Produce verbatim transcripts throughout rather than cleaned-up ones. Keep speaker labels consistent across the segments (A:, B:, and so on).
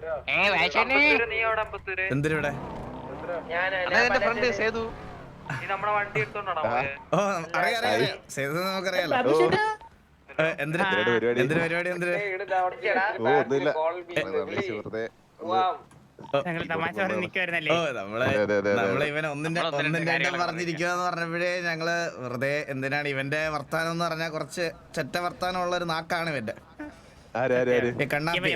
A: എന്തിനിവിടെ? ഓ അറിയാം അറിയാം, സേതു നമുക്കറിയാലോ. എന്തിനാ എന്തിനു പരിപാടി? എന്തിന്? ഓ നമ്മള് നമ്മള് ഇവൻ ഒന്നിന്റെ ഒന്നിന്റെ രണ്ടും പറഞ്ഞിരിക്കുവാന്ന് പറഞ്ഞപ്പോഴേ ഞങ്ങള് വെറുതെ എന്തിനാണ് ഇവന്റെ വർത്താനം എന്ന് പറഞ്ഞാൽ കുറച്ച് ചെറ്റ വർത്താനം ഉള്ള ഒരു നാക്കാണ് ഇവന്റെ. കണ്ണാപ്പി.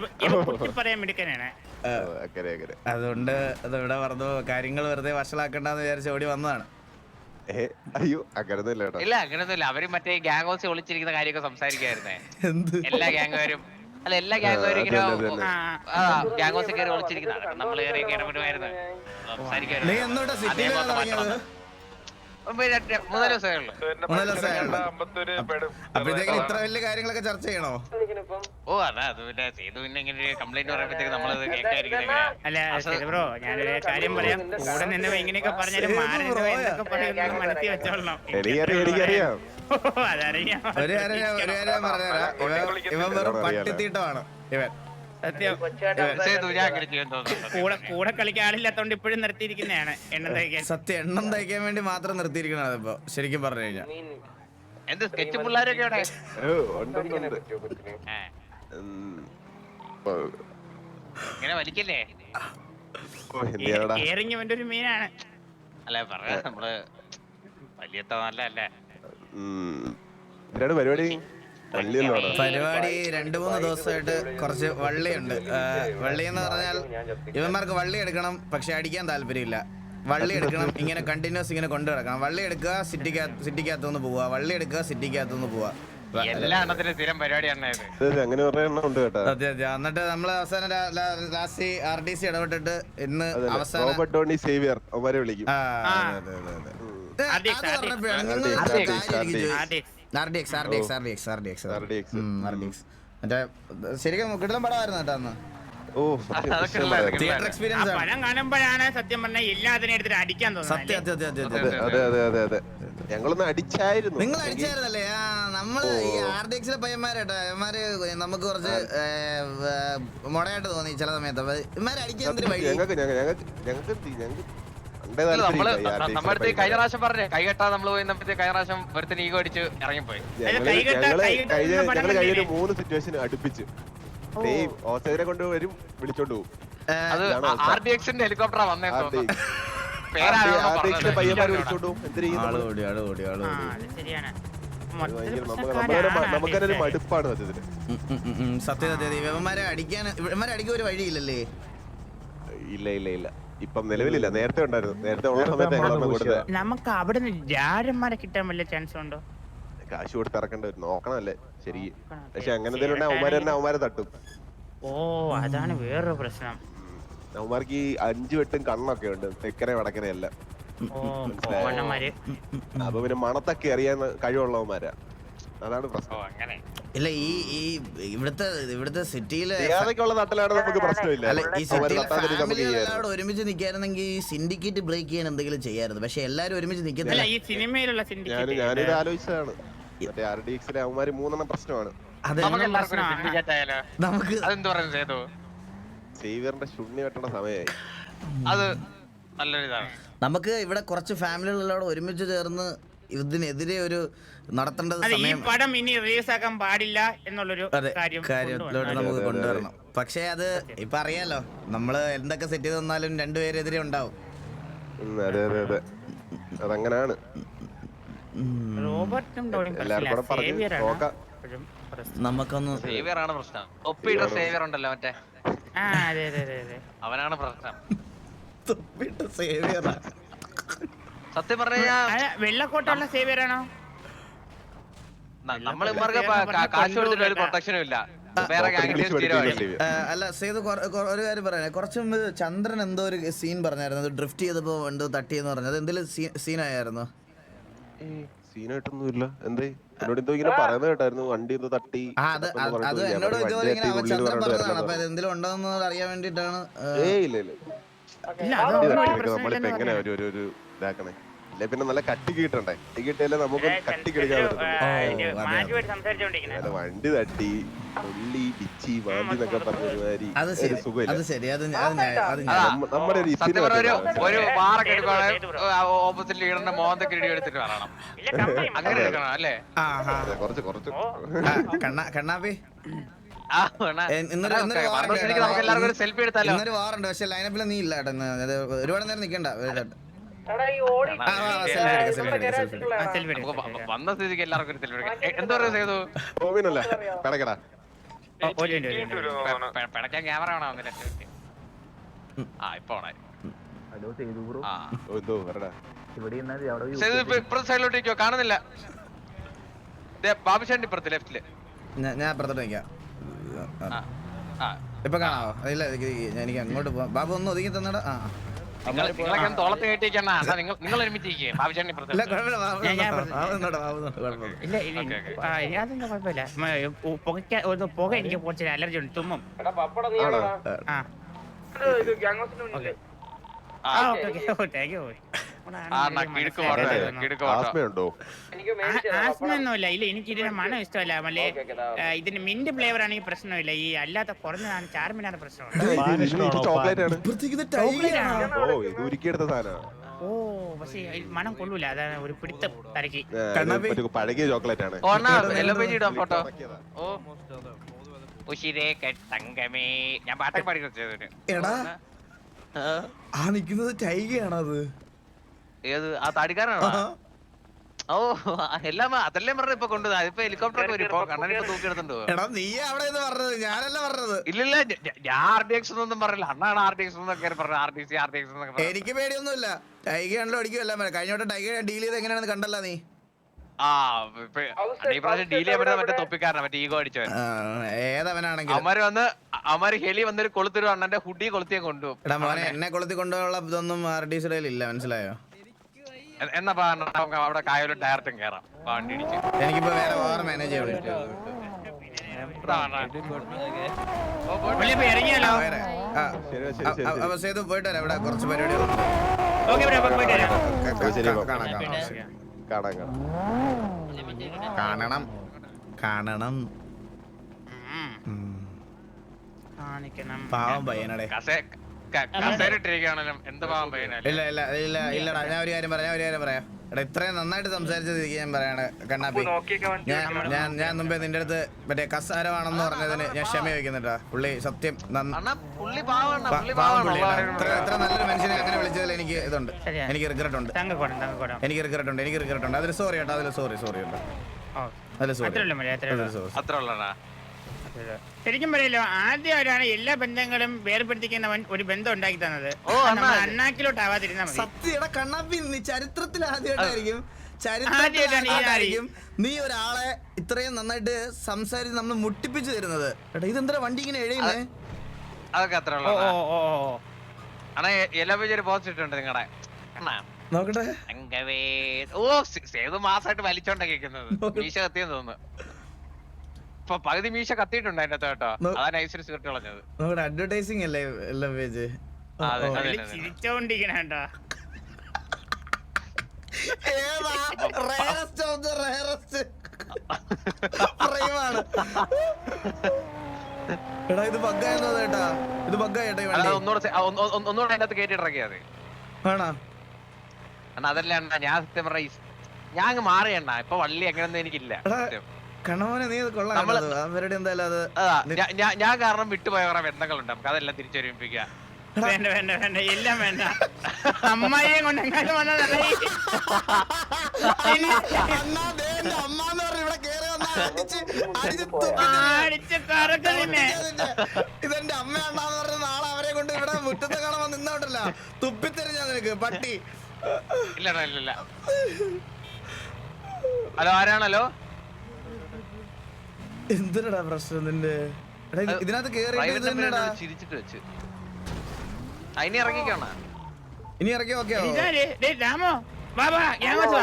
A: അതുകൊണ്ട് അത് ഇവിടെ പറഞ്ഞു കാര്യങ്ങൾ വെറുതെ വഷളാക്കണ്ടെന്ന് വിചാരിച്ച് ഓടി വന്നതാണ്.
B: അയ്യോ അങ്ങനൊന്നുമില്ല.
C: ഇല്ല അങ്ങനൊന്നുമില്ല. അവര് മറ്റേ ഗ്യാങ് ഹൗസ് ഒളിച്ചിരിക്കുന്ന കാര്യമൊക്കെ സംസാരിക്കായിരുന്നേ. എല്ലാ ഗ്യാങ്ങുകാരും അല്ല എല്ലാ ഗ്യാങ്ങുകാരും ഇങ്ങനെ ഗ്യാങ് ഹൗസിൽ കയറി ഒളിച്ചിരിക്കുന്നതാണ്. നമ്മള് കയറി ഇടപെടുമായിരുന്നു, സംസാരിക്കുമായിരുന്നു. മൂന്നാല് ദിവസമേ ഉള്ളൂ.
A: അപ്പോഴത്തേക്കും ഇത്ര വലിയ കാര്യങ്ങളൊക്കെ ചർച്ച ചെയ്യണോ?
C: ഓ അതാ അത് പിന്നെ ചെയ്തു. പിന്നെ ഇങ്ങനെ കംപ്ലൈന്റ് പറയുമ്പോഴത്തേക്ക് നമ്മളത് കേൾക്കാതിരിക്കുന്നത്.
D: അല്ല ബ്രോ, ഞാനൊരു കാര്യം പറയാം. കൂടെ നിന്ന് ഇങ്ങനെയൊക്കെ പറഞ്ഞാലും മനസ്സിൽ വെച്ചോളണം.
B: എനിക്കറിയാം.
D: അതറിയാം.
A: ഒരു കാര്യം ഒരു കാര്യം പറഞ്ഞുതരാം, ഇവൻ വെറും പട്ടിത്തീട്ടമാണ് ഇവൻ.
D: സത്യം. കൂടെ കൂടെ കളിക്കാൻ ആളില്ലാത്തോണ്ട് ഇപ്പോഴും നിർത്തിയിരിക്കുന്നതാണ് എണ്ണം തയ്ക്കാൻ.
A: സത്യം, എണ്ണം തയ്ക്കാൻ വേണ്ടി മാത്രം നിർത്തിയിരിക്കണത് ഇപ്പൊ ശരിക്കും പറഞ്ഞു കഴിഞ്ഞാൽ.
C: എന്ത് സ്കെച്ച് പിള്ളേരൊക്കെ അവിടെ ഇങ്ങനെ വലിക്കല്ലേ?
D: കേറിങ് അവന്റെ ഒരു മീനാണ്.
C: അല്ലെ പറയാ നമ്മള് വലിയ നല്ലല്ലേ
B: പരിപാടി.
A: പരിപാടി രണ്ടു മൂന്ന് ദിവസമായിട്ട് കുറച്ച് വള്ളിയുണ്ട്. വള്ളി എന്ന് പറഞ്ഞാൽ ഇവന്മാർക്ക് വള്ളി എടുക്കണം, പക്ഷെ അടിക്കാൻ താല്പര്യമില്ല. വള്ളി എടുക്കണം, ഇങ്ങനെ കണ്ടിന്യൂസ് ഇങ്ങനെ കൊണ്ടു കിടക്കണം. വള്ളി എടുക്കുക, സിറ്റിക്കകത്ത് സിറ്റിക്കകത്തുനിന്ന് പോവുക, വള്ളി എടുക്കുക, സിറ്റിക്കകത്തുനിന്ന് പോവുക. അതെ അതെ. എന്നിട്ട് നമ്മള് അവസാനം ലാസ്റ്റ് ആർ ഡി സി ഇടപെട്ടിട്ട് ഇന്ന് അവസാനം മറ്റേ ശരിക്കും കിടലം പടമായിരുന്നു കേട്ടോ അന്ന്. തിയേറ്റർ എക്സ്പീരിയൻസ്
D: കാണുമ്പോഴാണ് സത്യം പറഞ്ഞാൽ എല്ലാത്തിനും എടുത്തിട്ട് അടിക്കാൻ
B: തോന്നുന്നത്. ഞങ്ങളൊന്ന് അടിച്ചായിരുന്നു.
A: നിങ്ങൾ അടിച്ചായിരുന്നല്ലേ? ആ നമ്മള് ഈ ആർ ഡി എക്സിലെ പയ്യന്മാരേട്ടാ, ഇവന്മാര് നമുക്ക് കുറച്ച് മുടയായിട്ട് തോന്നി ചില സമയത്ത്. ഇവന്മാര് അടിക്കാൻ
C: നമ്മളടുത്ത് കഴിഞ്ഞ പ്രാവശ്യം പറഞ്ഞേ കൈ കെട്ടാ നമ്മള് പോയി കഴിഞ്ഞ പ്രാവശ്യം ഒരുത്തിന് ഈഗോ അടിച്ച് ഇറങ്ങിപ്പോയി.
B: കഴിഞ്ഞ മൂന്ന് സിറ്റുവേഷൻ അടുപ്പിച്ച് ഓസ്ട്രേലിയ കൊണ്ട് വരും, വിളിച്ചോണ്ട് പോകും.
C: അത് ആർ ഡി എക്സിന്റെ ഹെലികോപ്റ്ററാ വന്നേ.
B: പയ്യന്മാര് വിളിച്ചോണ്ട് പോകും. നമുക്കൊരു മടുപ്പാണ് സത്യത്തിന്.
A: സത്യം സത്യം. ഇവന്മാരെ അടിക്കാൻ ഇവന്മാരെ അടിക്കാൻ ഒരു വഴിയില്ലല്ലേ?
B: ഇല്ല ഇല്ല ഇല്ല, ഇപ്പം നിലവിലില്ല. നേരത്തെ ഉണ്ടായിരുന്നു. നേരത്തെ ഉള്ള സമയത്ത്
D: നമുക്ക് അവിടെ രാരന്മാരെ കിട്ടാൻ വല്ല ചാൻസ് ഉണ്ടോ?
B: കാശ് കൊടുത്ത് ഇറക്കേണ്ടി വരും, നോക്കണമല്ലേ ശരി. പക്ഷെ അങ്ങനെ എന്തെങ്കിലും അവന്മാര് തന്നെ അവന്മാരെ തട്ടും.
D: ഓ അതാണ് വേറൊരു പ്രശ്നം.
B: അവന്മാർക്ക് ഈ അഞ്ചു വെട്ടും കണ്ണൊക്കെ ഉണ്ട്, തെക്കനെ വടക്കനെ എല്ലാം. അപ്പൊ പിന്നെ മണത്തൊക്കെ അറിയാൻ കഴിവുള്ളവന്മാരാ, അതാണ് പ്രശ്നം.
A: ഇല്ല ഈ ഈ ഇവിടുത്തെ ഇവിടുത്തെ സിറ്റിയിലെ
B: നാട്ടിലാണ് നമുക്ക് പ്രശ്നമില്ല.
A: ഈ സിറ്റിയിലെ ഒരുമിച്ച് നിൽക്കായിരുന്നെങ്കിൽ ഈ സിൻഡിക്കേറ്റ് ബ്രേക്ക് ചെയ്യാൻ എന്തെങ്കിലും ചെയ്യായിരുന്നു. പക്ഷെ എല്ലാരും ഒരുമിച്ച് നിൽക്കുന്നില്ല.
B: ഞാനിത് ആലോചിച്ചതാണ്. മറ്റേ ആർ ഡി എക്സിലെ അവന്മാര് മൂന്നെണ്ണം പ്രശ്നമാണ്.
A: നമുക്ക്
B: സേവിയറിന്റെ ശുണ്ണി വെട്ടണ സമയമായി.
C: അത് നല്ലൊരിതാണ്.
A: നമുക്ക് ഇവിടെ കുറച്ച് ഫാമിലികളോട് ഒരുമിച്ച് ചേർന്ന് ഇതിനെതിരെ ഒരു നടത്തേണ്ടത്
D: പടം ഇനി റിലീസ് ആക്കാൻ പാടില്ല എന്നുള്ളൊരു
A: കാര്യത്തിലോട്ട് നമുക്ക് കൊണ്ടുവരണം. പക്ഷെ അത് ഇപ്പൊ അറിയാലോ, നമ്മള് എന്തൊക്കെ സെറ്റ് ചെയ്ത് തന്നാലും രണ്ടുപേരെതിരെ ഉണ്ടാവും.
B: അതെ അതെ അതെ, അതങ്ങനാണ്.
A: നമുക്കൊന്ന്
C: അവനാണ് പ്രശ്നം.
A: സേവിയറാ
C: സത്യം പറഞ്ഞ
D: വെള്ളക്കോട്ടുള്ള സേവിയറാണോ?
C: നമ്മൾ കാശ് കൊടുത്തിട്ട് ഒരു പ്രൊട്ടക്ഷനും ഇല്ല.
A: അല്ല സേതു ഒരു കാര്യം പറയാനേ, കുറച്ച് മുമ്പ് ചന്ദ്രൻ എന്തോ ഒരു സീൻ പറഞ്ഞായിരുന്നു, ഡ്രിഫ്റ്റ് ചെയ്തപ്പോ എന്തോ തട്ടിയെന്ന് പറഞ്ഞത്. എന്തെങ്കിലും സീനായിരുന്നു?
B: സീനായിട്ടൊന്നുമില്ല. എന്തേ എന്നോട് എന്തോ ഇങ്ങനെ പറയുന്നത് കേട്ടായിരുന്നു, വണ്ടി എന്തോ തട്ടി.
A: അത് എന്നോട് ഇതുപോലെ ഇങ്ങനെ അവൻ ചന്ദ്രൻ പറഞ്ഞതാണ്. അപ്പൊ എന്തെങ്കിലും ഉണ്ടോന്ന് അറിയാൻ വേണ്ടിട്ടാണ്.
B: ഏയ് ഇല്ല ഇല്ല, നമ്മളിപ്പോ എങ്ങനെ ഒരു ഇതാക്കണേ? അല്ലെ പിന്നെ നല്ല കട്ടി കിട്ടണ്ടേ കട്ടി കിട്ടിയാലേ നമുക്ക് കട്ടി കിടക്കാൻ പറ്റും വണ്ടി തട്ടി പുള്ളി പിച്ചി മാന്തി എന്നൊക്കെ പറഞ്ഞ ഒരുമാതിരി
A: അത് ശരി
B: സുഖമില്ല
A: അത് ശരി അത് ഞാൻ- അത് ഞാൻ- അത് ഞാൻ-
B: നമ്മ- നമ്മുടെ ഒരു
C: സത്യം പറഞ്ഞ ഒരു
B: ഇപ്പിന്
C: ഒരു വാറൊക്കെ എടുക്കുവാണെങ്കിൽ ഓപ്പോസിറ്റ് ലീഡറിന്റെ മോന്തക്ക് ഇടി എടുത്തിട്ട് പറയണം അങ്ങനെ എടുക്കണം അല്ലേ
A: ആ ആ
B: കുറച്ച് കുറച്ച്
A: ആ, കണ്ണാ കണ്ണാപ്പി
C: ആ, വേണ.
A: എ- ഇന്നൊരു ഇന്നൊരു
C: അതൊക്കെ
A: വാറണ്ട്
C: മരണശരിക്ക് നമുക്ക് എല്ലാവർക്കും ഒരു സെൽഫി എടുത്താലോ
A: ഇന്നൊരു വാറുണ്ട് പക്ഷെ ലൈനപ്പിൽ നീ ഇല്ല കേട്ടോ ഇന്ന്. അത് ഒരുപാട് നേരം നിക്കണ്ട ഒരു കേട്ടോ. ആ, ആ, selfie എടുക്കാം, selfie എടുക്കാം, selfie എടുക്കാം.
C: നമുക്ക് വ- വന്ന സ്ഥിതിക്ക് എല്ലാവർക്കും ഒരു സെൽഫി എടുക്കാം എ- എന്താ പറയുക ചെയ്തു
B: ഓവിനല്ല കിടക്കടാ
C: പിടയ്ക്കാൻ ക്യാമറ വേണോ വന്നില്ല ആ ഇപ്പൊ ഓണായി ആ
B: ഓ, എന്തോ വരടാ
C: സേതു ഇപ്പൊ ഇപ്പുറത്തെ സൈഡിലോട്ടേക്കോ കാണുന്നില്ല ദേ, ബാബുശാന്റെ ഇപ്പുറത്ത് ലെഫ്റ്റില്
A: ഞാൻ- ഞാൻ അപ്പുറത്തോട്ട് നിൽക്കാം
C: ആ ആ
A: ഇപ്പൊ കാണാവോ ഇല്ല എനിക്ക് എനിക്ക് അങ്ങോട്ട് പോവാം ബാബു ഒന്ന് ഒതുങ്ങി തന്നടാ ആ
C: നിങ്ങൾ നിങ്ങളൊക്കെ തോളത്ത് കയറ്റിയിരിക്കണ നിങ്ങൾ നിങ്ങൾ ഒരുമിച്ചിരിക്കേ ബാബുശാന്റെ
A: ഇല്ല
C: ഇപ്പുറത്ത്
A: കുഴപ്പമില്ല ബാബു
D: ഞാൻ- ഞാൻ
A: നിന്നോട്ടെ, ബാബു നിന്നോട്ടെ, ബാബു നിന്നോട്ടെ, കുഴപ്പമില്ല.
D: ഇല്ല ഇല്ല
C: ഓക്കേ, ഓക്കേ.
D: ആ, അതൊന്നും കുഴപ്പമില്ല മ- പുകയ്ക്ക ഒന്ന് പുക എനിക്ക് കുറച്ച് അലർജി ഉണ്ട് തുമ്മും
B: ആണോ
D: ആ ഓക്കെ
C: ആ
D: ആ ഓക്കെ ഓക്കെ ഓ താങ്ക് യു
C: ആ എന്നാ കിടുക്ക് പോട്ടെ കിടുക്ക് പോട്ടോ
B: ആസ്മയുണ്ടോ
D: ആസ്മ ഒന്നുമില്ല ഇല്ല എനിക്ക് ഇതിന്റെ മണം ഇഷ്ടമല്ല മല്ലേ ഇതിന്റെ മിന്റ് ഫ്ലേവർ ആണെങ്കിൽ പ്രശ്നമില്ല ഈ അല്ലാത്ത കുറഞ്ഞതാണ് ചാർമിനാണ് പ്രശ്നം
B: ചോക്ലേറ്റ് ആണ്
A: ഇപ്പുറത്തേക്ക് ഇത് ടൈഗറാണ്.
B: ഓ ഇത് ഉരുക്കിയെടുത്ത സാധനമാണ്
D: ഓ പക്ഷേ ഇത് മണം കൊള്ളൂല അതാണ് ഒരു പിടുത്തം തലക്ക്
A: കണ്ണാപ്പി.
B: മറ്റേ പഴകിയ ചോക്ലേറ്റ് ആണ്
C: ഓണ എല്ലോ പേജ് ഇടാം ഫോട്ടോ ഓ ഉശിരേ തങ്കമേ ഞാൻ പാട്ടൊക്കെ പാടി കൊടുത്തത്
A: എടാ ആ നിക്കുന്നത് ടൈഗയാണോ അത്
C: ഏത് ആ താടിക്കാരനാണോ ഓ എല്ലാം അതല്ലേ പറഞ്ഞ ഇപ്പൊ കൊണ്ടുവന്ന ഇപ്പൊ ഹെലികോപ്റ്റർ ഒക്കെ വരും ഇപ്പൊ കണ്ണൻ ഇപ്പൊ തൂക്കിയെടുത്തുണ്ടോ
A: എടാ നീ അവിടെ നിന്ന് പറഞ്ഞത് ഞാനല്ല പറഞ്ഞത്
C: ഇല്ലില്ല ഞ- ഞ- ഞാൻ ആർ ഡി എക്സ് ഒന്നും പറഞ്ഞില്ല അണ്ണാണ് ആർ ഡി എക്സ് എന്നൊക്കെ പറഞ്ഞു R D C R D X എന്നൊക്കെ പറഞ്ഞു
A: എനിക്ക് പേടിയൊന്നുമില്ല ടൈഗയാണല്ലോ അടിക്കുമല്ല കഴിഞ്ഞ വട്ടം ടൈഗ ഡീൽ ചെയ്ത് എങ്ങനെയാണെന്ന് കണ്ടല്ല നീ
C: ആ ഇപ്പൊ ഈ പ്രാവശ്യം ഡീൽ ചെയ്യാൻ പറ്റുന്ന മറ്റേ തൊപ്പിക്കാരനാ മറ്റേ ഈഗോ അടിച്ചവൻ
A: ആ, ഏതവനാണെങ്കിലും
C: അവന്മാര് വന്ന് അവന്മാര് ഹെലി വന്നൊരു കൊളുത്തൊരു അണ്ണന്റെ ഹുഡി കൊളുത്തിയെ കൊണ്ടുപോകും
A: എടാ മോനെ എന്നെ കൊളുത്തി കൊണ്ടുള്ള ഇതൊന്നും ആർ ഡി സിയുടെ ഇല്ല മനസ്സിലായോ
C: എ- എന്നാ പാ അണ്ണാ, നമുക്ക് അവിടെ കായലും ഡയറക്റ്റും കയറാം വണ്ടി ഇടിച്ച്
A: എനിക്കിപ്പോ വേറെ വേറെ മാനേജ് ചെയ്യാൻ
C: ഇതാ അണ്ണാ. ഓ, പോട്ടെ.
D: പുള്ളി ഇപ്പൊ ഇറങ്ങിയാലോ
A: വേറെ ആ
B: ശരി ശരി ശരി ശരി.
A: അപ്പൊ സേതു പോയിട്ട് വരാം ഇവിടെ കുറച്ച് പരിപാടികളുണ്ട്
D: ഓക്കെ ബ്രോ അപ്പൊ പോയിട്ട് വരാം
A: ക-
B: ശരി,
A: ക-
B: ഓക്കേ.
A: കാണാം കാണാം ശരി.
B: കാണാം കാണാം
A: കാണണം കാണണം
D: ഉം.
A: ഉം.
D: കാണിക്കണം
A: പാവം പയ്യനടെ
C: കസേ ക- കസേരയിട്ടിരിക്കുകയാണെങ്കിലും എന്ത് പാവം പയ്യനല്ലേ
A: ഇല്ല ഇല്ല ഇല്ല ഇല്ലടാ ഞാൻ ഒരു കാര്യം പറയാം ഞാൻ ഒരു കാര്യം പറയാം എടാ ഇത്രയും നന്നായിട്ട് സംസാരിച്ചത് ഞാൻ പറയാണ് കണ്ണാപ്പി ഞാൻ ഞാൻ ഞാൻ മുമ്പേ നിന്റെ അടുത്ത് മറ്റേ കസാരമാണെന്ന് പറഞ്ഞതിന് ഞാൻ ക്ഷമ ചോദിക്കുന്നുട്ടാ പുള്ളി സത്യം നന്ന-
C: അണ്ണാ പുള്ളി പാവാണ്
A: പ-
C: പുള്ളി
A: പാവം
C: പാവാണ്
A: പുള്ളിയാണ് ഇത്ര ഇത്ര നല്ലൊരു മനുഷ്യനെ അങ്ങനെ വിളിച്ചതിൽ എനിക്ക് ഇതുണ്ട്
D: ശരിയാ.
A: എനിക്ക് റിഗ്രറ്റ് ഉണ്ട്
D: തങ്കക്കോടം തങ്കക്കോടം
A: എനിക്ക് റിഗ്രറ്റ് ഉണ്ട് എനിക്ക് റിഗ്രറ്റ് ഉണ്ട് അതിൽ സോറി കേട്ടോ അതിൽ സോറി സോറി കേട്ടോ
D: ഓ
A: അതിൽ സോറി
D: അത്രേ ഉള്ളൂ മതി അത്രേ ഉള്ളൂ
A: സോറി
C: അത്ര ഉള്ളടാ
D: ശരിക്കും പറയല്ലോ ആദ്യമായിട്ടാണ് എല്ലാ ബന്ധങ്ങളും വേർപെടുത്തിക്കുന്ന വൻ- ഒരു ബന്ധം ഉണ്ടാക്കി തന്നത്
C: ഓ, അണ്ണാ.
D: അണ്ണാക്കിലോട്ട് ആവാതിരുന്നാ മതി
A: സത്യയുടെ കണ്ണാപ്പി നീ ചരിത്രത്തിൽ ആദ്യമായിട്ടായിരിക്കും
D: ആദ്യമായിട്ടാണ് ഈ
A: ചരിത്രത്തിലായിരിക്കും നീ ഒരാളെ ഇത്രയും നന്നായിട്ട് സംസാരിച്ച് നമ്മൾ മുട്ടിപ്പിച്ചു തരുന്നത് എടാ ഇതെന്താ വണ്ടി ഇങ്ങനെ എഴുതുന്നേ
C: അതൊക്കെ അത്ര
D: ഓ
C: ഉള്ളതാ
D: ഓ ഓ ഓ
C: അണ്ണാ എല്ലാ പേജ് ഒരു പോസ്റ്റ് ഇട്ടുണ്ട് നിങ്ങടെ അണ്ണാ
A: നോക്കട്ടെ
C: അങ്കവേ ഓ സേ- സേതു മാസമായിട്ട് വലിച്ചോണ്ടാ കേൾക്കുന്നത് മീശ കത്തിയെന്ന് തോന്നുന്നു ഇപ്പൊ പകുതി മീശ കത്തിയിട്ടുണ്ട് അതിന്റെ അകത്ത് കേട്ടോ
A: നോ-
C: അതാ നൈസിൽ സിഗരറ്റ് കളഞ്ഞത്
A: നോക്കട്ടെ അഡ്വർടൈസിങ് അല്ലേ എല്ലാ പേജ്
C: ആ, അതെ, അതെ.
D: പുള്ളി ചിരിച്ചോണ്ടിരിക്കണേട്ടാ
A: ഏതാ rarest of the rarest frame ആണ്. എടാ ഇത് ബഗ്ഗായെന്ന് തോന്നേട്ടാ ഇത് ബഗ്ഗായിട്ടാ ഈ
C: അല്ല,
A: വണ്ടി
C: ഒന്നുകൂടെ സെ- ആ, ഒന്ന്- ഒന്ന്- ഒന്നുകൂടെ അതിന്റെ അകത്ത് കയറ്റി ഇറക്കിയാ മതി
A: ആണോ
C: അണ്ണാ അതല്ല അണ്ണാ ഞാൻ സത്യം പറഞ്ഞ ഞാൻ അങ്ങ് മാറിയണ്ണ ഇപ്പൊ വള്ളി എങ്ങനെയൊന്നും എനിക്കില്ല
A: എടാ
C: സത്യം.
A: കണവനെ നീ കൊള്ളാം
C: നമ്മള്-
A: കേട്ടോ. അവരുടെ എന്തായാലും അത്
C: അതാ ഞാ- ഞാ- ഞാൻ കാരണം വിട്ടുപോയ കുറെ ബന്ധങ്ങളുണ്ട് നമുക്ക് അതെല്ലാം തിരിച്ചൊരുമിപ്പിക്കുക
D: വേണ്ട വേണ്ട വേണ്ട എല്ലാം വേണ്ട അമ്മായിയെ കൊണ്ട് എങ്ങാനും വന്നതല്ല ഈ-
A: അണ്ണാ, ദേ എന്റെ അമ്മാന്ന് പറഞ്ഞ് ഇവിടെ കേറി വന്നാ അടിച്ച് അടിച്ച് തുപ്പി
D: അടിച്ച് കറക്കലിനെ
A: ഇതിന്റെ- ഇതെന്റെ അമ്മയാണ്ടാന്ന് പറഞ്ഞ നാളെ അവരെ കൊണ്ട് ഇവിടെ മുറ്റത്ത് കാണാൻ നിന്നോട്ടല്ല തുപ്പിത്തെറിഞ്ഞാ നിനക്ക് പട്ടി
C: ഇല്ല അണ്ണാ, ഇല്ല ഇല്ല ഹലോ ആരാണല്ലോ
A: എന്തിനടാ പ്രശ്നം നിന്റെ എടാ, ഇത് ഇതിനകത്ത് കേറിയിട്ട് ഇത് തന്നെടാ
C: ചിരിച്ചിട്ട് വെച്ച് അതിനെ ഇറങ്ങിക്കോണ
A: ഇനി ഇറക്കി ഓക്കെ
D: ഇതാര്? ദേ രാമോ ബാബാ ഞാൻ വാ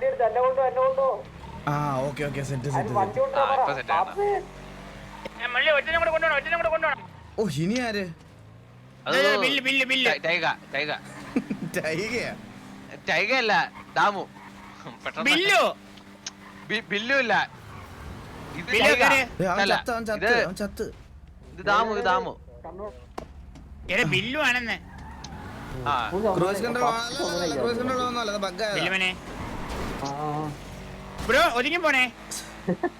A: ആ ഓക്കെ ഓക്കെ സെറ്റ് സെറ്റ്
C: ഇപ്പൊ സെറ്റ് ആണ്
D: മള്ളി ഒറ്റനും കൂടെ കൊണ്ടുപോകണം ഒറ്റനും കൂടെ കൊണ്ടുപോകണം
A: ഓ ഇനി ആര്
C: അത്
D: ബില്ല് ബില്ല് ബില്ല്
C: ടൈഗ ടൈഗ
A: ടൈഗയാ
C: ടൈഗ അല്ല ദാമു പെട്ടെന്ന്
D: ബില്ലു
C: ബി- ബില്ലു ഇല്ല ഇത്
D: ബില്ലു
C: ടൈഗ.
D: ആര്?
A: ഏ, അവൻ
C: അല്ല,
A: ചത്ത് അവൻ ചത്ത്
C: ഇത്
A: അവൻ ചത്ത്
C: ഇത് ദാമു ഇത് ദാമു
D: എടാ ബില്ലു ആണെന്ന്
C: ആ
A: ക്രൂസ് കൺട്രോൾ ക്രൂസ് കൺട്രോൾ ഒന്നും അല്ല ബഗ്ഗാ
D: ബില്ലുമനെ ബ്രോ ഒതുങ്ങി പോണേ